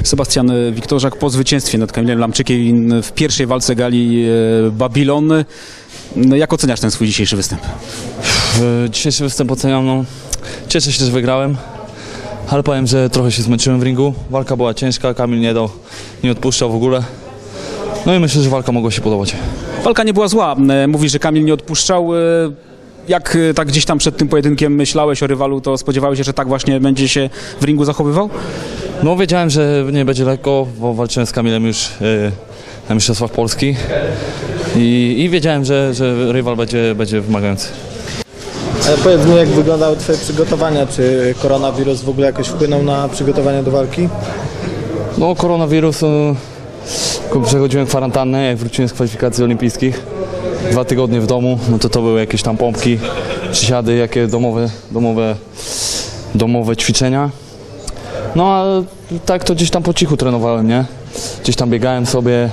Sebastian Wiktorzak po zwycięstwie nad Kamilem Lamczykiem w pierwszej walce gali Babylon. No, jak oceniasz ten swój dzisiejszy występ? Dzisiejszy występ oceniam, no, cieszę się, że wygrałem, ale powiem, że trochę się zmęczyłem w ringu. Walka była ciężka, Kamil nie odpuszczał w ogóle. No i myślę, że walka mogła się podobać. Walka nie była zła. Mówisz, że Kamil nie odpuszczał. Jak tak gdzieś tam przed tym pojedynkiem myślałeś o rywalu, to spodziewałeś się, że tak właśnie będzie się w ringu zachowywał? No wiedziałem, że nie będzie lekko, bo walczyłem z Kamilem już na Mistrzostwach Polski i wiedziałem, że rywal będzie wymagający. Ale powiedz mi, jak wyglądały Twoje przygotowania? Czy koronawirus w ogóle jakoś wpłynął na przygotowania do walki? No koronawirus, przechodziłem kwarantannę, jak wróciłem z kwalifikacji olimpijskich. 2 tygodnie w domu, no to były jakieś tam pompki, przysiady, jakie domowe ćwiczenia. No a tak to gdzieś tam po cichu trenowałem, nie? Gdzieś tam biegałem sobie,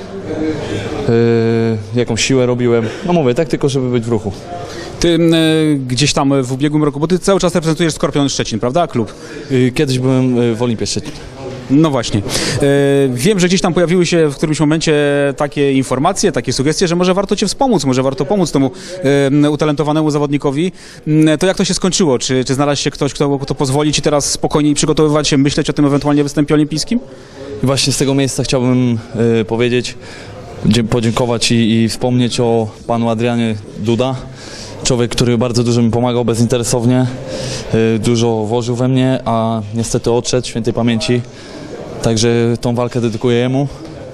jakąś siłę robiłem. No mówię, tak tylko, żeby być w ruchu. Ty gdzieś tam w ubiegłym roku, bo ty cały czas reprezentujesz Skorpion Szczecin, prawda? Klub. Kiedyś byłem w Olimpie Szczecin. No właśnie. Wiem, że gdzieś tam pojawiły się w którymś momencie takie informacje, takie sugestie, że może warto Cię wspomóc, może warto pomóc temu utalentowanemu zawodnikowi. To jak to się skończyło? Czy znalazł się ktoś, kto pozwoli Ci teraz spokojniej przygotowywać się, myśleć o tym ewentualnie występie olimpijskim? I właśnie z tego miejsca chciałbym powiedzieć, podziękować i wspomnieć o panu Adrianie Duda. Człowiek, który bardzo dużo mi pomagał bezinteresownie, dużo włożył we mnie, a niestety odszedł świętej pamięci. Także tą walkę dedykuję jemu.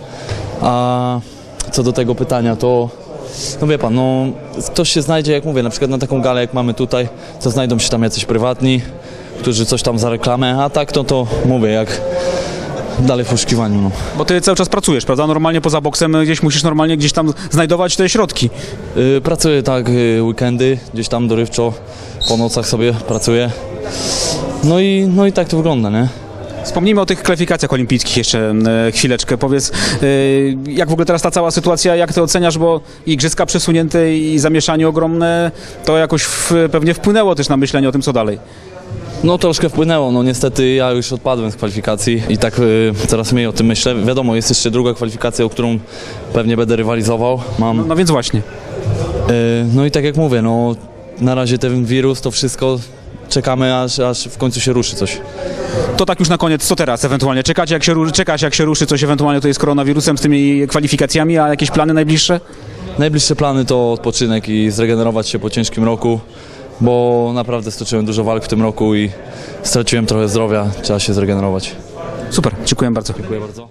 A co do tego pytania, to no wie pan, no ktoś się znajdzie, jak mówię, na przykład na taką galę jak mamy tutaj, to znajdą się tam jacyś prywatni, którzy coś tam za reklamę, a tak to mówię, jak dalej w poszukiwaniu. No. Bo Ty cały czas pracujesz, prawda? Normalnie poza boksem gdzieś musisz normalnie gdzieś tam znajdować te środki. Pracuję tak weekendy, gdzieś tam dorywczo, po nocach sobie pracuję. No i tak to wygląda, nie? Wspomnijmy o tych kwalifikacjach olimpijskich jeszcze chwileczkę. Powiedz, jak w ogóle teraz ta cała sytuacja, jak Ty oceniasz, bo igrzyska przesunięte i zamieszanie ogromne, to jakoś pewnie wpłynęło też na myślenie o tym, co dalej. No troszkę wpłynęło, no niestety ja już odpadłem z kwalifikacji i tak coraz mniej o tym myślę. Wiadomo, jest jeszcze druga kwalifikacja, o którą pewnie będę rywalizował. No więc właśnie. No i tak jak mówię, no na razie ten wirus, to wszystko czekamy, aż w końcu się ruszy coś. To tak już na koniec, co teraz ewentualnie? Czekać jak się ruszy coś ewentualnie tutaj z koronawirusem, z tymi kwalifikacjami, a jakieś plany najbliższe? Najbliższe plany to odpoczynek i zregenerować się po ciężkim roku, bo naprawdę stoczyłem dużo walk w tym roku i straciłem trochę zdrowia, trzeba się zregenerować. Super, dziękuję bardzo. Dziękuję bardzo.